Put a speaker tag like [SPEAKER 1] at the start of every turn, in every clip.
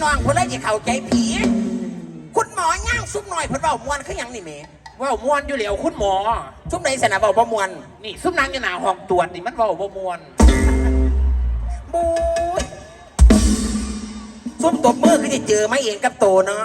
[SPEAKER 1] น้องเพื่อนเลยจะเข้าใจผีคุณหมอย่างซุปหน่อยเพื่อนเบามวนคืออย่างนี่เม
[SPEAKER 2] ว่ามวนอยู่เหลียวคุณหมอ
[SPEAKER 1] ซุปไหนสนะเบาบ่มวน
[SPEAKER 2] นี่ซุปนางอยู่หน้าห้องตรวจนี่มันว่าบ่มวน
[SPEAKER 1] บู๊ยซุปตบมือคือจะเจอไม่เองกับโตเนาะ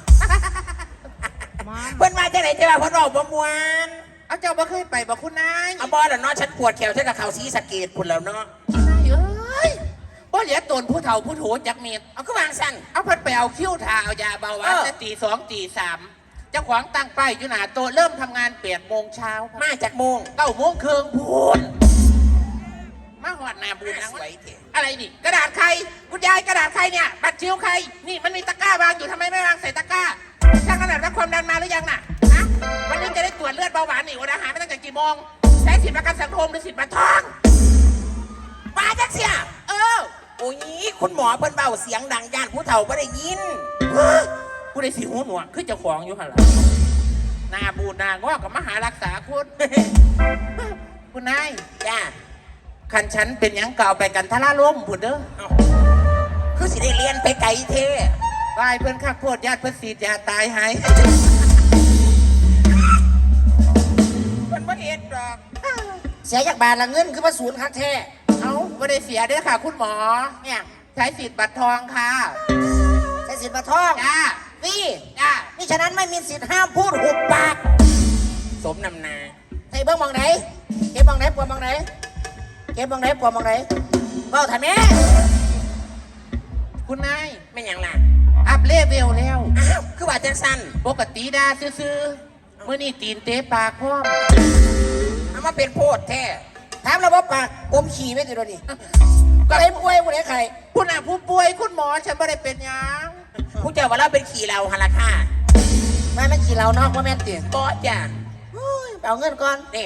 [SPEAKER 1] เพื่อนมาจากไหนจะมาเพื่อนเบาบ่มวน
[SPEAKER 2] เอาเจ้าบ่เคยไปบ่คุณนาย
[SPEAKER 1] เอาบอลแล้วเนาะฉันปวดแขวฉันกับเขาสีสะเกดพุ่นแล้วเนาะ
[SPEAKER 2] นายเอ้ยบ่เหลียตนผู้เฒ่าผู้โถจักเม็ด
[SPEAKER 1] เอาก็วางสั้น
[SPEAKER 2] เอาเพิ่นไปเอาคิ้วทาเอายาเบาหวานแต่ตี 2 ตี 3เจ้าของตั้งป้ายอยู่หน้าโต๊ะเริ่มทำงาน8 โมงเช้า
[SPEAKER 1] มาจากโมง
[SPEAKER 2] 9 โมงครึ่งพูนมาหอดหน้าบูนสวยอะไรนี่กระดาษใครคุณยายกระดาษใครเนี่ยบัตรคิ้วใครนี่มันมีตะกร้าวางอยู่ทำไมไม่วางใส่ตะกร้าช่างขนาดวัดความดันมาหรือยังน่ะฮะวันนี้จะได้ตรวจเลือดเบาหวานนี่วันอาหารไม่ตั้งแต่กี่โมงใช้สิทธิประกันสังคมหรือสิทธิบัตรทอง
[SPEAKER 1] มาจักเสียโอ้ยคุณหมอเพิ่นเบาเสียงดังย่านผู้เฒ่าไม่ได้ยิน
[SPEAKER 2] ผู้ใดสิหูหนวกขึ้นเจ้าของอยู่หันหลังหน้าบูดหน้างอกกับมหารักษาคุณนาย
[SPEAKER 1] จ้า
[SPEAKER 2] ขันฉันเป็นยังเก่าไปกันทะล่าล้มผุดเด้อ
[SPEAKER 1] คือสิได้เรียนไปไกลเท่
[SPEAKER 2] วายเพื่อนข้าโคตรญาติเพื่อนสียาตายหาย
[SPEAKER 1] มันบ่เอ็ดดอก
[SPEAKER 3] เสียจากบาทละเงินคือมาศูนย์คักแท้
[SPEAKER 2] เอาไม่ได้เสียด้วยค่ะคุณหมอ
[SPEAKER 3] เนี่ย
[SPEAKER 2] ใช้สิทธิ์บัตรทองค่ะ
[SPEAKER 3] ใช้สิทธิ์บัตรทอง
[SPEAKER 2] จ้า
[SPEAKER 3] นี่
[SPEAKER 2] จ้า
[SPEAKER 3] นี่ฉะนั้นไม่มีสิทธิ์ห้ามพูดหุบปาก
[SPEAKER 1] สมนำนา
[SPEAKER 3] ใส่เบื้องมองไหนเก็บมองไหนปวดมองไหนเก็บมองไหนปวดมองไหนเบ้าถ่ายแม่
[SPEAKER 2] คุณนาย
[SPEAKER 1] ไม่ยังล่ะ
[SPEAKER 2] อัพเลเวลแล้ว
[SPEAKER 1] อ้าวคือว่าจังสัน
[SPEAKER 2] ปกติดาซื้อเมื่อนี่ตีนเตะปากพร้อม
[SPEAKER 1] เอามาเป็นโพดแท้
[SPEAKER 3] ถามเราว่าปากกลมขี่ไม่ติดเลยนี่ก็เลยป่วยผู้ใดใคร
[SPEAKER 2] คุณน่ะผู้ป่วยคุณหมอฉันไม่ได้เป็นยัง
[SPEAKER 1] ผู้เจ้าว่าเราเป็นขี่เราฮาราค่า
[SPEAKER 3] ไม่ขี่เราเนาะว่าแม่ตี
[SPEAKER 1] ก็จ้ะ
[SPEAKER 3] เอาเงินก่อน
[SPEAKER 1] นี่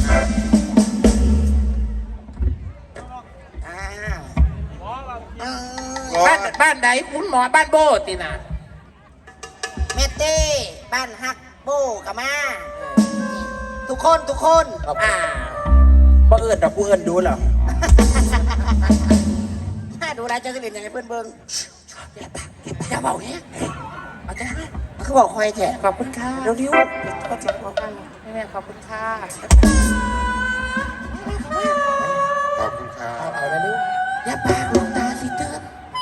[SPEAKER 2] บ้านใดคุณหมอบ้านโบตินะ
[SPEAKER 3] เมเต้บ้านฮักโบกับมาทุกคน
[SPEAKER 1] บ่เอื้อนดอกกูเอื้อนดูหรอ
[SPEAKER 3] ถ้าดูแลจะเรียนอย่างไรเพื่อนเบิ้ง
[SPEAKER 2] อย่าเบาเนี้ยเอาจ้า
[SPEAKER 3] เขาบอกคอยแฉะ
[SPEAKER 2] ขอบคุณค่ะ
[SPEAKER 3] เร็วๆก็จะบอกกัน
[SPEAKER 2] แม่ขอบคุณค่ะ
[SPEAKER 4] ขอบคุณค่ะ
[SPEAKER 2] เอาแล้วลูกอย่าปากลงตาสิเตือน